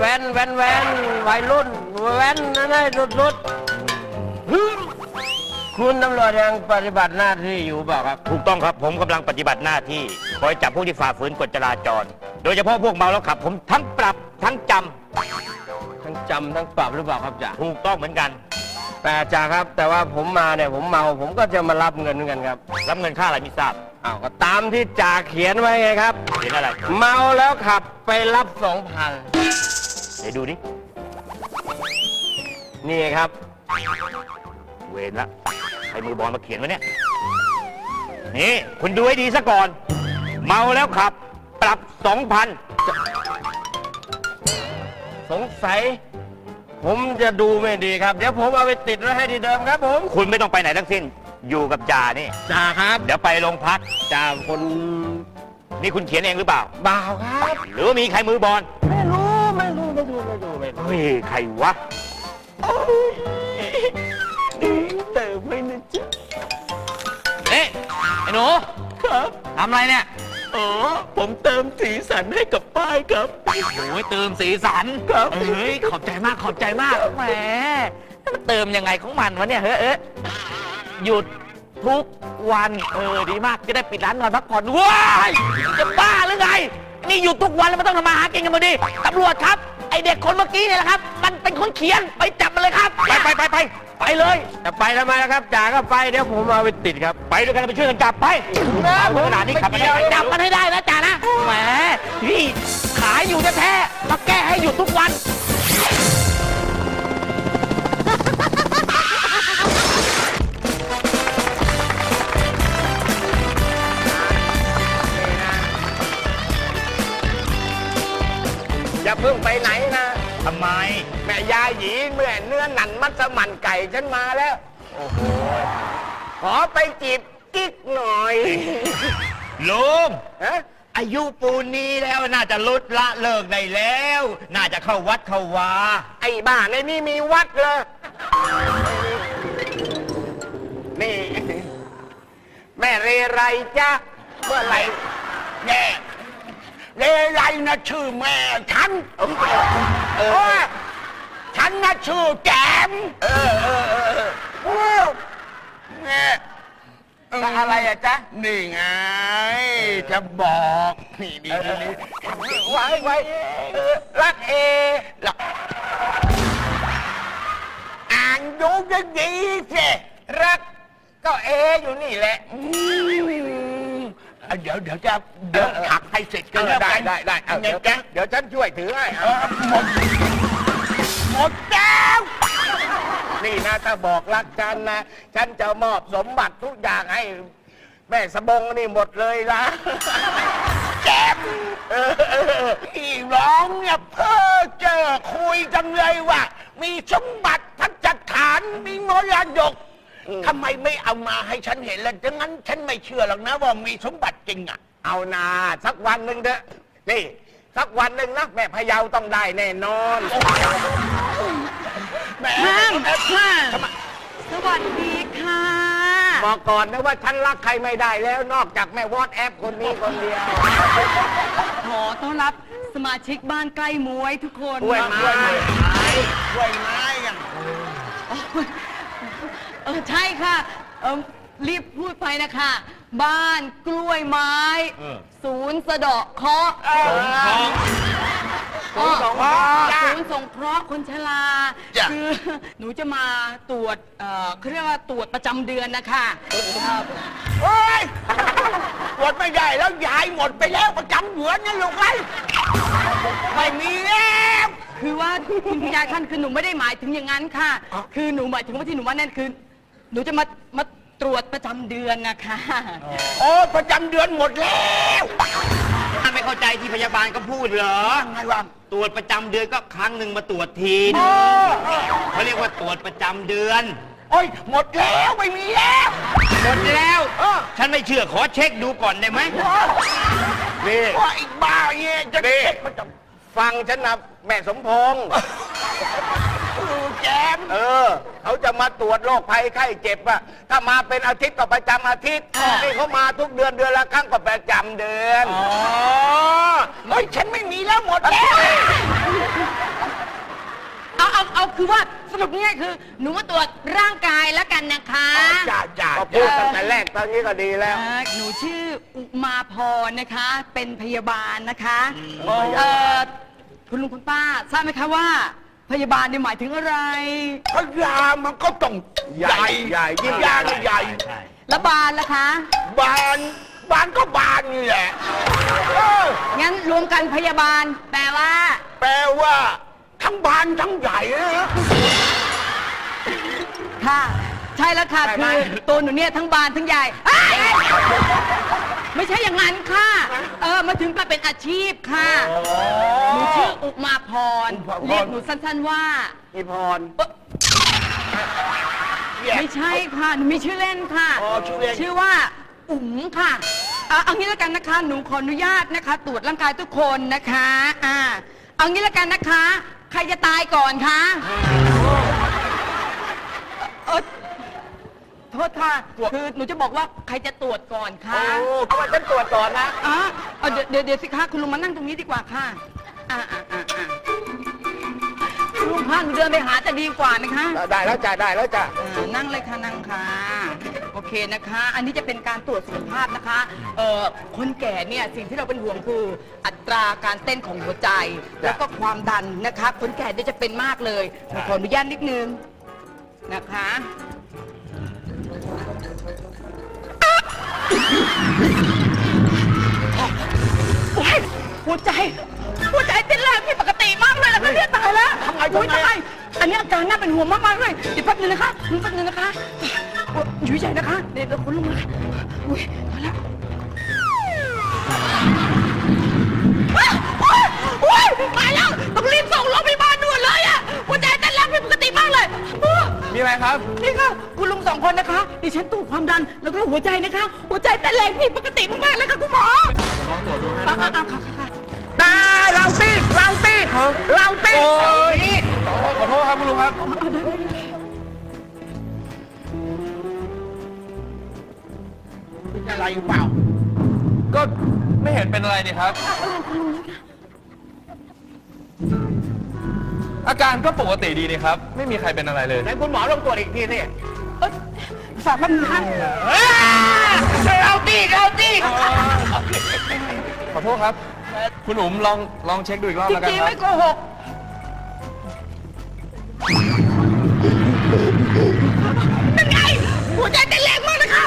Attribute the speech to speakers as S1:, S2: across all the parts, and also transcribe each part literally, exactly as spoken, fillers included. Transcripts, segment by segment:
S1: ว้นแว้นแว้นวัยรุ่นแว้นนั่นไอ้รุดรุดคุณตำรวจยังปฏิบัติหน้าที่อยู่เปล่าครับ
S2: ถูกต้องครับผมกำลังปฏิบัติหน้าที่คอยจับพวกที่ฝ่าฝืนกฎจราจรโดยเฉพาะพวกเมาแล้วขับผมทั้งปรับทั้งจำ
S1: ทั้งจำทั้งปรับหรือเปล่าครับจ่า
S2: ถูกต้องเหมือนกัน
S1: แต่จ่าครับแต่ว่าผมมาเนี่ยผมเมาผมก็จะมารับเงินเหมือนกันครับ
S2: รับเงินค่าอะไรไม่ทราบ
S1: อ้าวก็ตามที่จ่าเขียนไว้ไงครับ
S2: เขียนอะไร
S1: เมาแล้วขับไปรับสองพัน
S2: เดี๋ยวดูดิ
S1: นี่ครับ
S2: เวรละใครมือบอลมาเขียนวะเนี่ยนี่คุณดูให้ดีซะก่อนเมาแล้วขับปรับสองพัน
S1: สงสัยผมจะดูไม่ดีครับเดี๋ยวผมเอาไปติดไว้ให้ที่เดิมครับผม
S2: คุณไม่ต้องไปไหนทั้งสิ้นอยู่กับจ่านี่
S1: จ่าครับ
S2: เดี๋ยวไปโรงพัก
S1: จ่าคน
S2: นี่คุณเขียนเองหรือเปล่า
S1: เปล่าครับ
S2: หรือว่ามีใครมือบอล
S1: ไม่รู้ไม่รู้ไม่รู้ไม่รู้ไม่รู้
S2: เฮ้ยใครวะ
S1: เติมไม่นะจ๊ะ
S2: เอ๊ะไอ้หนู
S1: ครับ
S2: ทำอะไรเนี่ย
S1: อ๋อผมเติมสีสันให้กับป้ายครับ
S2: โอ้ยเติมสีสัน
S1: ครับ
S2: เฮ้ยขอบใจมากขอบใจมากแหมมันเติมยังไงของมันวะเนี่ยเฮ้ยเอ๊ะหยุดทุกวันเออดีมากจะได้ปิดร้านนอนพักผ่อนว้ายจะบ้าหรือไงนี่หยุดทุกวันแล้วมันต้องทำมาหากินกันมาดิตำรวจครับไอเด็กคนเมื่อกี้เนี่ยแหละครับมันเป็นคนเขียนไปจับมันเลยครับไปไปไปไปไปเลย
S1: จะไปทำไมล่ะครับจ่าก็ไปเดี๋ยวผมเอาไปติดครับ
S2: ไปด้วยกันไปช่วยกันจับไปเอาขนาดนี้ขับไป
S1: จับมันให้ได้นะจ่านะ
S2: แหมพี่ขายอยู่แท้ๆมาแก้ให้หยุดทุกวัน
S1: อย่าเพิ่งไปไหนนะ
S2: ทำไม
S1: แม่ยาหยีเมื่อเนื้อหนันมัสมั่นไก่ฉันมาแล้วโอ้โหขอไปจีบกิ๊กหน่อย
S2: ลุง
S1: ฮะ
S2: อายุปูนนี้แล้วน่าจะลดละเลิกได้แล้วน่าจะเข้าวัดเข้าวา
S1: ไอ้บ้าในนี่มีวัดเลยนี่แม่เรไรจ๊ะเมื่อไหร่
S2: แม่เรไรนะชื่อแม่ฉัน
S1: เออ
S2: ฉันนะชื่อแกม
S1: เออเออเออเออแม่อะไรอะจ๊ะ
S2: นี่ไงจะบอกนี่นี่นี่
S1: ไว้ไว้รักเอ
S2: อ่านดูจะดีสิ
S1: รักก็เออยู่นี่แหละ
S2: เดี๋ยวเดี๋ยวจะเดี๋ยวถักให้เสร็จกัน
S1: ได้ได้ได้เดี๋ยวเดี๋ยวฉันช่วยถือให้
S2: หมดหมดแล้ว
S1: นี่นะถ้าบอกรักฉันนะฉันจะมอบสมบัติทุกอย่างให้แม่สบงนี่หมดเลยนะ
S2: แจ็บพี่ร้องเนี่ยเพ้อเจอคุยจังเลยว่ามีสมบัติทัศฐานมีมรดกทำไมไม่เอามาให้ฉันเห็นล่ะดังนั้นฉันไม่เชื่อหรอกนะว่ามีสมบัติจริงอ่ะ
S1: เอานาสักวันหนึ่งเถอะนี่สักวันหนึ่งนะแม่พะเยาต้องได้แน่นอน
S3: แม่ค่ะสวัสดีค่ะ
S1: บอกก่อนนะว่าฉันรักใครไม่ได้แล้วนอกจากแม่วอทแอปคนนี้คนเดียว
S3: ขอต้อนรับสมาชิกบ้านใกล้มวยทุกคน
S1: ด้วยไม้
S2: ด้วยไม้กัน
S3: เออใช่ค่ะเออรีบพูดไปนะคะบ้านกล้วยไม้ศูนย์สะเดาะเคราะห์ศูนย์สงเคราะห์ศูนย์สงเคราะห์คนชราคือหนูจะมาตรวจเอ่อเขาเรียกว่าตรวจประจำเดือนนะคะ
S2: โอ้ยตรวจไม่ได้แล้วยายหมดไปแล้วประจำเดือนนั่นลูกไอ้ไม่มีแล้ว
S3: คือว่าคุณยายท่านคือหนูไม่ได้หมายถึงอย่างนั้นค่ะคือหนูหมายถึงว่าที่หนูว่านั่นคือหนูจะมามาตรวจประจำเดือนนะคะ
S2: โอ้ประจำเดือนหมดแล้วท่านไม่เข้าใจที่พยาบาลก็พูดเหรอไงวะตรวจประจำเดือนก็ครั้งหนึ่งมาตรวจทีเขาเรียกว่าตรวจประจำเดือนโอ้ยหมดแล้วไม่มีแล้วหมดแล้วฉันไม่เชื่อขอเช็คดูก่อนได้ไหม
S1: นี่
S2: ว่าอีกบ้าเงี้ยจะเช็ค
S1: ฟังฉันนะแม่สมพงษ์
S2: แจม
S1: เออเขาจะมาตรวจโรคภัยไข้เจ็บอะถ้ามาเป็นอาทิตย์ก็ประจำอาทิตย์นี่เขามาทุกเดือนเดือนละครั้งก็ประจำเดือน
S4: อ๋อเฮ้ยฉันไม่มีแล้วหมดแล้ว
S3: เอาเอาเอาคือว่าสรุปง่ายๆคือ หนูมาตรวจร่างกายแล้วกันนะคะ
S4: จ้าจ้า
S1: ก็พูดตั้งแต่แรกตอนนี้ก็ดีแล้ว
S3: เอ่อหนูชื่ออุมาพรนะคะ เป็นพยาบาลนะคะเอ่อคุณลุงคุณป้าทราบไหมคะว่า พยาบาลเนี่ยหมายถึงอะไร
S4: พยามันก็ต้องใหญ่
S1: ใหญ่ยิ่ง
S4: ยาก็ใหญ่
S3: แล้วบานล่ะคะ
S4: บานบานก็บานนี่แหละเออ
S3: งั้นรวมกันพยาบาล แปลว่า
S4: แปลว่าทั้งบานทั้งใหญ่นะ
S3: ค่ะ ใช่แล้วค่ะ
S1: ใช่ไหม
S3: คือตัวหนูเนี่ยทั้งบานทั้งใหญ่เอ้ยไม่ใช่อย่างนั้นค่ะ เออมาถึงมาเป็นอาชีพค่ะ หนูชื่ออุมาพร เรียกหนูสั้นๆว่า
S1: อีพร
S3: ไม่ใช่ค่ะ หนูมีชื่อเล่นค่ะ
S4: อ๋อชื่อเล่น
S3: ชื่อว่า อุ๋มค่ะอ่ะเอางี้แล้วกันนะคะ หนูขออนุญาตนะคะ ตรวจร่างกายทุกคนนะคะอ่าเอางี้แล้วกันนะคะ ใครจะตายก่อนคะเออโทษค่ะ คือหนูจะบอกว่าใครจะตรวจก่อนคะ
S1: โอ้เพราะว่าฉันตรวจก่อนนะ
S3: อ๋อเอาเดี๋ยวเดี๋ยวเดี๋ยวสิคะคุณลุงมานั่งตรงนี้ดีกว่าค่ะอ่าอ่าอ่าอ่าคุณลุงคะหนูเดินไปหาจะดีกว่านะคะ
S1: ได้แล้วจ้ะได้แล้วจ้ะ
S3: อ่านั่งเลยค่ะนั่งค่ะโอเคนะคะ อันนี้จะเป็นการตรวจสุขภาพนะคะเอ่อคนแก่เนี่ยสิ่งที่เราเป็นห่วงคือ อัตราการเต้นของหัวใจ แล้วก็ความดันนะคะคนแก่เนี่ยจะเป็นมากเลยขออนุญาตนิดนึงนะคะโอ๊ยหัวใจ หัวใจเต้นแรงผิดปกติมากเลยนะคะเนี่ยตายแล้วทำไมทำไมอันนี้อาการน่าเป็นห่วงมากๆเลยเดี๋ยวแป๊บนึงนะคะแป๊บนึงนะคะอยู่ใจนะคะเดี๋ยวคุณลุงนะคะอุ้ยมาแล้วโอ๊ยตายแล้วต้องรีบส่งโรงพยาบาลด่วนเลยอะหัวใจเต้นแรงผิดปกติมากเลย
S2: มีอะไรครับ
S3: นี่ค่ะคุณลุงสองคนนะคะดิฉันตรวจความดันแล้วก็หัวใจนะคะ หัวใจเต้นแรงผิดปกติมากๆเลยค่ะคุณหมอลองตรวจดูให้นะครับค่ะ
S1: ได้เราตีเราตีเราตี
S2: โอ้ยขอโทษครับคุณลุงครับ
S4: อะไรเปล่า
S2: ก็ไม่เห็นเป็นอะไรนี่ครับ อาการก็ปกติดีนี่ครับ ไม่มีใครเป็นอะไรเลย
S1: ไหนคุณหมอลองตรวจอีกทีสิ
S3: เอ้ยฝากแป๊บนึงค่ะ
S1: เราตีเราตี
S2: ขอโทษครับ คุณอุ๋มลองลองเช็คดูอีกรอบ
S3: จ
S2: แล้วกัน
S3: ริง
S2: ค
S3: ๆ
S2: รับ
S3: ไม่โกหกนั่นไงหัวใจเต้นแรงมากเลยค่ะ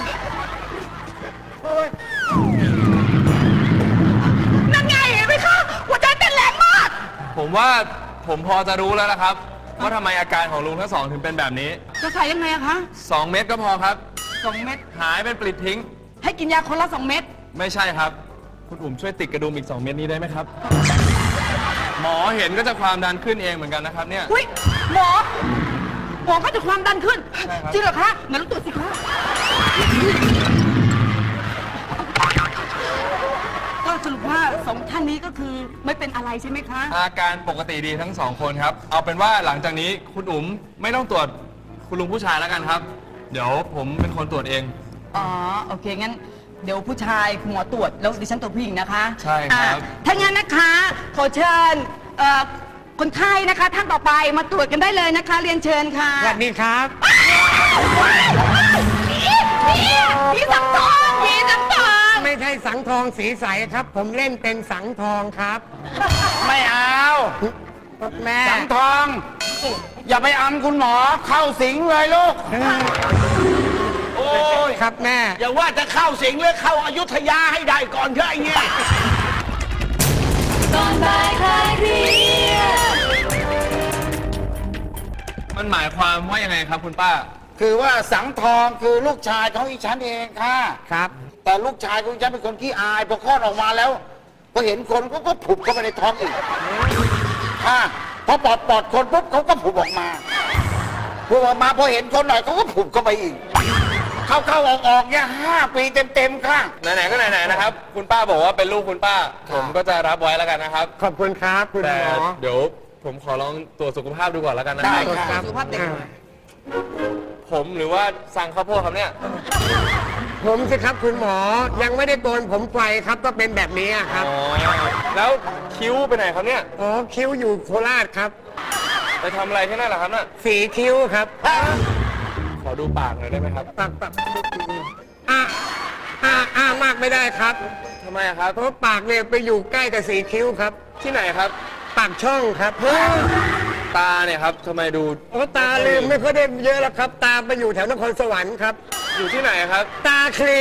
S3: นั่นไงเห็นไหมคะหัวใจเต้นแรงมาก
S2: ผมว่าผมพอจะรู้แล้วนะครับ ว่าทำไมอาการของลุงทั้งสองถึงเป็นแบบนี้
S3: จะใส่ยังไงอะคะ
S2: สองเม็ดก็พอครับ
S3: สองเม็ด
S2: หายเป็นปลิดทิ้ง
S3: ให้กินยาคนละสองเม็ด
S2: ไม่ใช่ครับ คุณอุ๋มช่วยติดกระดุมอีกสองเม็ดนี้ได้ไหมครับ หมอเห็นก็จะความดันขึ้นเองเหมือนกันนะครับเนี่ย
S3: อุ้ยหมอหมอก็จะความดันขึ้น
S2: ใช่ครับ
S3: จริงเหรอคะงั้นลองตรวจสิคะก็สรุปว่าสองท่านนี้ก็คือไม่เป็นอะไรใช่ไหมคะ
S2: อาการปกติดีทั้งสองคนครับ เอาเป็นว่าหลังจากนี้คุณอุ๋มไม่ต้องตรวจคุณลุงผู้ชายแล้วกันครับ เดี๋ยวผมเป็นคนตรวจเอง
S3: อ๋อโอเคงั้นเดี๋ยวผู้ชายคุณหมอตรวจแล้วดิฉันตรวจผู้หญิงนะคะ
S2: ใช่ครับ
S3: อ่ะถ้างั้นนะคะขอเชิญเอ่อคนไข้นะคะท่านต่อไปมาตรวจกันได้เลยนะคะ เรียนเชิญค่ะ
S1: สวัสดีครับ
S3: ผีผีสังทองผีสังทอง
S5: ไม่ใช่สังทองสีใสครับ ผมเล่นเป็นสังทองครับ
S4: ไม่เอา
S5: แม่
S4: สังทอง อย่าไปอำคุณหมอเข้าสิงเลยลูก โอ้ย
S5: ครับแม่
S4: อย่าว่าจะเข้าสิงหรือเข้าอยุธยาให้ได้ก่อนเถอะไอ้เนี่ย
S2: มันหมายความว่ายังไงครับคุณป้า
S4: คือว่าสังทองคือลูกชายของอีฉันเองค่ะ
S5: ครับ
S4: แต่ลูกชายของฉันเป็นคนขี้อายพอคลอดออกมาแล้วพอเห็นคนก็ก็ผุบเข้าไปในท้องอีกค่ะพอปอดปอดคนปุ๊บเขาก็ผุบออกมาผุบออกมาพอเห็นคนหน่อยเขาก็ผุบเข้าไปอีก เข้าเข้าออกออกเนี่ยห้าปีเต็มๆค่ะ
S2: ไหนๆก็ไหนๆนะครับ คุณป้าบอกว่าเป็นลูกคุณป้า ผมก็จะรับไว้แล้วกันนะครับ
S5: ขอบคุณครับคุณ
S2: แต่
S5: หมอ
S2: เดี๋ยวผมขอลองตรวจสุขภาพดูก่อนแล้วกันนะค
S4: ได้
S2: รับ
S4: ครับ
S3: สุขภาพเด็กหน่อย
S6: ผมหรือว่าสั่งข้าวโพดครับเนี่ย
S5: ผมสิครับคุณหมอยังไม่ได้โกนผมไฟครับก็เป็นแบบนี้ครับ
S6: อ๋อ แล้วคิ้วไปไหนครับเนี่ย
S5: อ๋อคิ้วอยู่โคราชครับ
S6: ไปทำอะไรที่นั่นเหรอครับน่ะ
S5: สีคิ้วครับ
S6: ขอดูปากหน่อยได้ไหมครับ
S5: ปากปากอ่าอ่าอ่ามากไม่ได้ครับ
S6: ทำไมอะครับ
S5: เพราะปากเนี่ยไปอยู่ใกล้กับสีคิ้วครับ
S6: ที่ไหนครับ
S5: ปากช่องครับ
S6: ตาเนี่ยครับทำไมดู
S5: โอ้ตาลืมไม่ค่อยได้เยอะแล้วครับ ตาไปอยู่แถวนครสวรรค์ครับ
S6: อยู่ที่ไหนครับ
S5: ตาคลี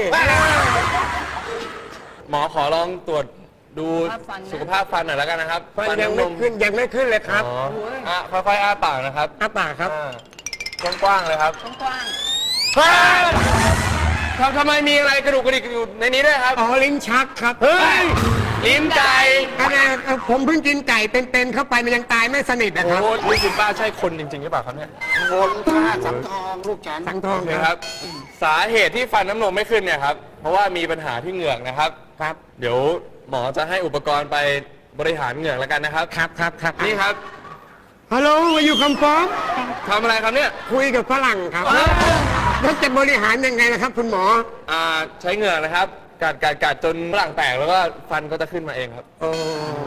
S6: หมอขอลองตรวจดูสุขภาพฟันหน่อยแล้วกันนะครับ
S5: ฟันยัง
S6: น้ำน
S5: ไม่
S6: ม
S5: ขึ้นยังไม่ขึ้นเลยครับ
S6: อ๋ออ่ะค่อยๆอ้าปากนะครับ
S5: อ้าปากครับ
S6: อ่ากว้างๆเลยครับ
S3: กว้าง
S6: เฮ้ยทำทำไมมีอะไรกระดูกกระดิกอยู่ในนี้ด้วยครับ
S5: อ๋อลิ้นชักครับ
S6: เฮ้ยลิ้นไก่
S5: อันนี้ผมเพิ่งกินไก่เป็นๆเข้าไปมันยังตายไม่สนิทนะ
S6: โอ้
S5: ครับ
S6: โหนี่คุณป้าใช่คนจริงๆหรือเปล่าครับเนี่ย
S4: คนท่าสังทองลูกฉัน
S5: สังทอง
S6: นะ
S5: ค
S6: ค
S5: รั
S6: รับ บ สาเหตุที่ฟันน้ำนมไม่ขึ้นเนี่ยครับ เพราะว่ามีปัญหาที่เหงือกนะครับ
S5: ครับ
S6: เดี๋ยวหมอจะให้อุปกรณ์ไปบริหารเหงือกแล้วกันนะครับ
S5: ครับครับครับ
S6: นี่ครับ
S5: ฮัลโหลมาอยู่คำฟ้อง
S6: ทำอะไรครับเนี่ย
S5: คุยกับฝรั่งครับแล้วจะบริหารยังไงนะครับ คุณหมอ
S6: อ่าใช้เหงือกนะครับ กัดกัดกัดจนฝรั่งแตกแล้วก็ฟันก็จะขึ้นมาเองครับ
S5: โอ้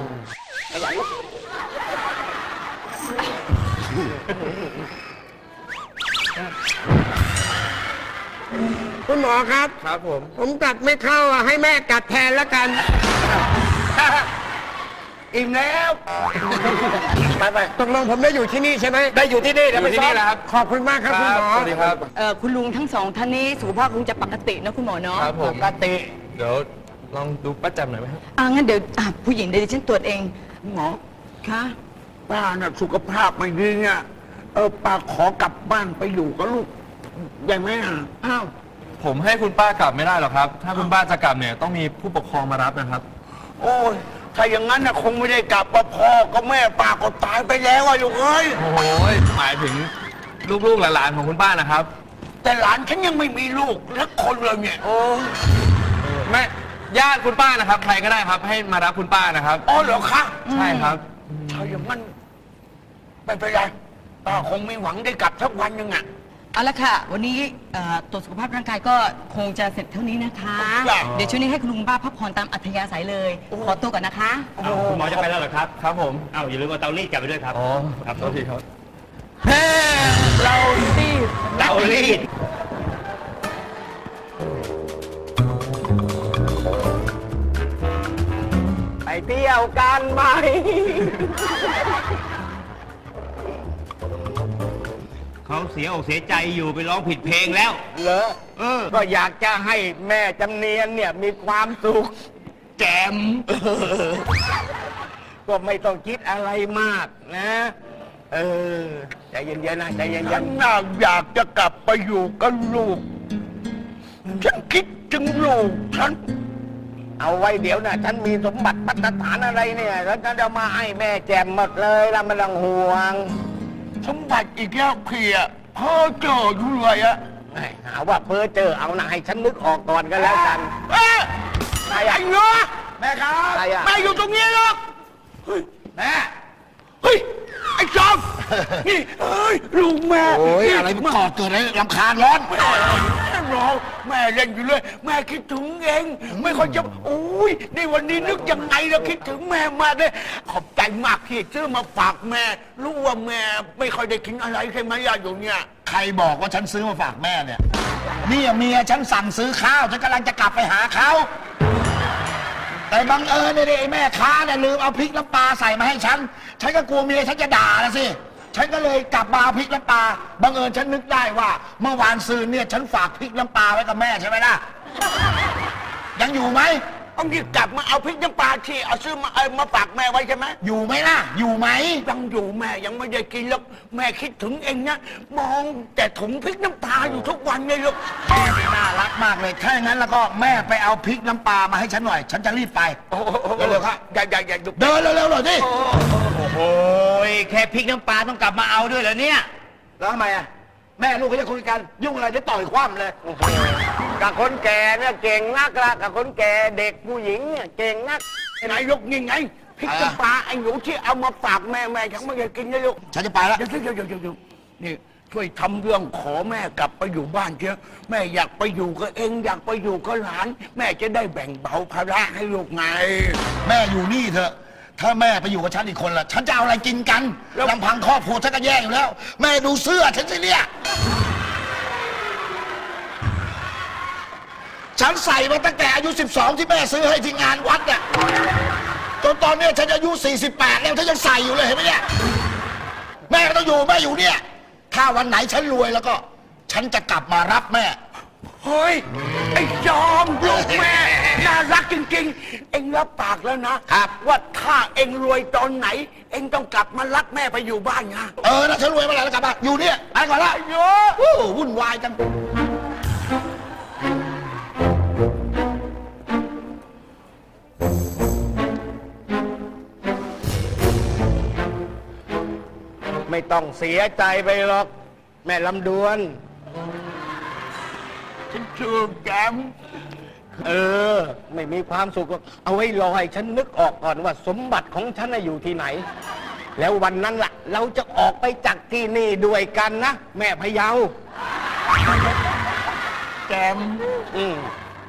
S5: คุณหมอครับ
S6: ครับผม
S5: ผมกัดไม่เข้าอ่ะให้แม่กัดแทนแล้วกัน
S1: อิ่มแล้ว ไปไป
S5: ตกลงผมได้อยู่ที่นี่ใช่ไหม
S1: ได้อยู่ที่นี่
S6: อ
S1: เดี๋ยวไป
S6: ยู่ที่
S1: ซ้อ
S6: นี่
S1: ม
S6: แหละครับ
S5: ขอบคุณมากครับคุณหมอ
S6: สวัสดีครับ
S3: ๆเอ่อคุณลุงทั้งสองท่านนี้สุขภาพคงจะปกตินะคุณหมอเนาะ
S6: ครับผม
S1: ปกติ
S6: เดี๋ยวลองดูป้าแจำหน่อยไหมครับ
S3: อ่างั้นเดี๋ยวอ่ะผู้หญิงเดี๋ยวดิฉันตรวจเอง
S4: หมอ
S3: ค่ะ
S4: ป้าน่ะสุขภาพไม่ดีเนี่ยเออป้าขอกลับบ้านไปอยู่กับลูกได้ไหมอ่ะ
S3: อ้าว
S6: ผมให้คุณป้ากลับไม่ได้หรอกครับ ถ้าคุณป้าจะกลับเนี่ยต้องมีผู้ปกครองมารับนะครับ
S4: โอ้ยถ้าอย่างนั้นน่ะคงไม่ได้กลับว่าพ่อกับแม่ป้าก็ตายไปแล้วอ่ะลูกเอ้ย
S6: โอ้โหหมายถึงลูกๆหลานๆของคุณป้านะครับ
S4: แต่หลานฉันยังไม่มีลูกสักคนเลยเนี่ย
S6: โอ้แม่ญาติคุณป้านะครับ ใครก็ได้ครับ ให้มารับคุณป้านะครับ
S4: อ๋อเหรอคะ
S6: ใช่ครับ
S4: ถ้าอย่างนั้นไม่เป็นไรป้าคงมีหวังได้กลับสักวันหนึ่งอ่ะ
S3: เอาละค่ะ วันนี้เอ่อตรวจสุขภาพร่างกายก็คงจะเสร็จเท่านี้นะคะ
S4: ครับ
S3: เดี๋ยวช่วงนี้ให้คุณลุงป้าพักผ่อนตามอัธยาศัยเลย ขอตัวก่อนนะคะ
S7: อ้าวคุณหมอจะไปแล้วเหรอครับ
S6: ครับผม
S7: อ้าวอย่าลืมเอาเตารีดกลับไปด้วยครับ
S6: อ๋อ
S7: ครับ
S6: โทษทีครับ
S3: เราตีด
S7: เตารีด
S1: ไปเที่ยวกันไหม
S7: เขาเสียอกเสียใจอยู่ไปร้องผิดเพลงแล้ว
S1: เหรอเออ ก็อยากจะให้แม่จำเนียนเนี่ยมีความสุข แจม ก็ไม่ต้องคิดอะไรมากนะ เออ ใจเย็นๆนะใจเย็
S4: ฉั
S1: น
S4: นน่ะอยากจะกลับไปอยู่กับลูก ฉันคิดถึงลูกฉัน
S1: ๆเอาไว้เดี๋ยวนะฉันมีสมบัติพัฒฐานอะไรเนี่ย แล้วฉันจะมาให้แม่แจมหมดเลยแล้วไม่ต้องห่วง
S4: สมบัติอีกแล้วเพียพ่อเจออยู่เลยอะ
S1: ไอ้หาว่าเพ้อเจอเอานะให้ฉันนึกออกก่อนก็แล้วกัน
S4: เอ๊ะ
S1: ใคร
S4: ไอ้
S1: อะ
S4: เนื้อแม่ครับ
S1: ใครอะ
S4: แม่อยู่ตรงนี้หรอกเฮ้ยแม่เฮ้ยไอ้จอมนี่เอ้ยลูกแม่
S1: โอ้ย
S4: นี่
S1: อะไร
S4: มาก่อเกิดอะไรรำคาญร้อนแม่ร้องแม่เล่นอยู่เลย แม่คิดถึงเองไม่ค่อยจะโอ้ยในวันนี้นึกยังไงเราคิดถึงแม่มากเลยขอบใจมากที่ซื้อมาฝากแม่รู้ว่าแม่ไม่ค่อยได้กินอะไรใช่ไหมยาอยู่เนี่ย
S8: ใครบอกว่าฉันซื้อมาฝากแม่เนี่ยนี่เมียฉันสั่งซื้อข้าว ฉันกำลังจะกลับไปหาเขา แต่บังเอิญเนี่ยไอ้แม่ค้าเนี่ยลืมเอาพริกน้ำปลาใส่มาให้ฉัน ฉันก็กลัวเมียฉันจะด่าละสิ ฉันก็เลยกลับมาเอาพริกน้ำปลา บังเอิญฉันนึกได้ว่า เมื่อวานซืนเนี่ยฉันฝากพริกน้ำปลาไว้กับแม่ใช่ไหมล่ะ ยังอยู่ไหม
S4: ต้องรีบกลับมาเอาพริกน้ำปลาที่เอาซื้อมาเออมาฝากแม่ไว้ใช่ไหม
S8: อยู่ไหมล่ะ อยู่ไหม
S4: ยังอยู่แม่ยังไม่ได้กินแล้วแม่คิดถึงเองนะมองแต่ถุงพริกน้ำปลาอยู่ทุกวันเลยลูก
S8: แม่นี่น่ารักมากเลย ถ้าอย่างนั้นแล้วก็แม่ไปเอาพริกน้ำปลามาให้ฉันหน่อย ฉันจะรีบไป
S4: เร็วๆครับอย่าอย่าอย่าดู
S8: เดินเร็วๆหน่อยดิ
S7: โอ้ยแค่พริกน้ำปลาต้องกลับมาเอาด้วยเหรอเนี่ย
S8: แล้วทำไมอ่ะ แม่ลูกเขาจะคุยกัน ยุ่งอะไรจะต่อยคว่ำเลย
S1: กับคนแก่เนี่ยเก่งนักละกับคนแก่เด็กผู้หญิงเนี่ยเก่งนัก
S4: นายกนี่ไงพริกน้ำปลาไอ้หนูที่เอามาฝากแม่แม่ยังไม่ได้กินเลยลูก
S8: ฉันจะไปแล้ว
S4: เดี๋ยวเดี๋ยวเดี๋ยวเดี๋ยวเดี๋ยวนี่
S1: ช่วยทำเรื่องขอแม่กลับไปอยู่บ้านเถอะแม่อยากไปอยู่กับเองอยากไปอยู่กับหลาน แม่จะได้แบ่งเบาภาระให้ลูกไง
S8: แม่อยู่นี่เถอะ ถ้าแม่ไปอยู่กับฉันอีกคนละฉันจะเอาอะไรกินกันลำพังครอบครัวฉันก็แย่อยู่แล้ว แม่ดูเสื้อฉันสิเนี่ยฉันใส่มาตั้งแต่อายุสิบสองที่แม่ซื้อให้ที่งานวัดเนี่ยจนตอนเนี้ยฉันอายุสี่สิบแปดแล้วฉันยังใส่อยู่เลยเห็นไหมเนี่ยแม่ก็ต้องอยู่แม่อยู่เนี่ยถ้าวันไหนฉันรวยแล้วก็ ฉันจะกลับมารับแม่
S1: เฮ้ย ไอ้จอมลูกแม่ น่ารักจริงๆ เอ็งรับปากแล้วนะครับ ว่าถ้าเอ็งรวยตอนไหน เอ็งต้องกลับมารับแม่ไปอยู่บ้านนะ
S8: เออนะฉันรวยเมื่อไหร่แล้วกลับมาอยู่เนี่ยไปก่อนละ
S1: โย
S8: โอ้วุ่นวายจัง
S5: ไม่ต้องเสียใจไปหรอก แม่ลำดวน
S1: ฉันชื่อแกม
S5: เออ ไม่มีความสุขหรอกเอาไว้รอให้ฉันนึกออกก่อนว่าสมบัติของฉันน่ะอยู่ที่ไหน แล้ววันนั้นล่ะ เราจะออกไปจากที่นี่ด้วยกันนะ แม่พะเยา
S1: แกม
S5: อืม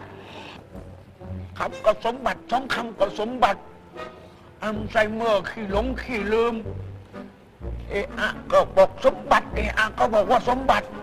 S1: คำก็สมบัติสองคำก็สมบัติอัลไซเมอร์ขี้หลงขี้ลืม เอะอะก็บอกสมบัติ เอะอะก็บอกว่าสมบัติ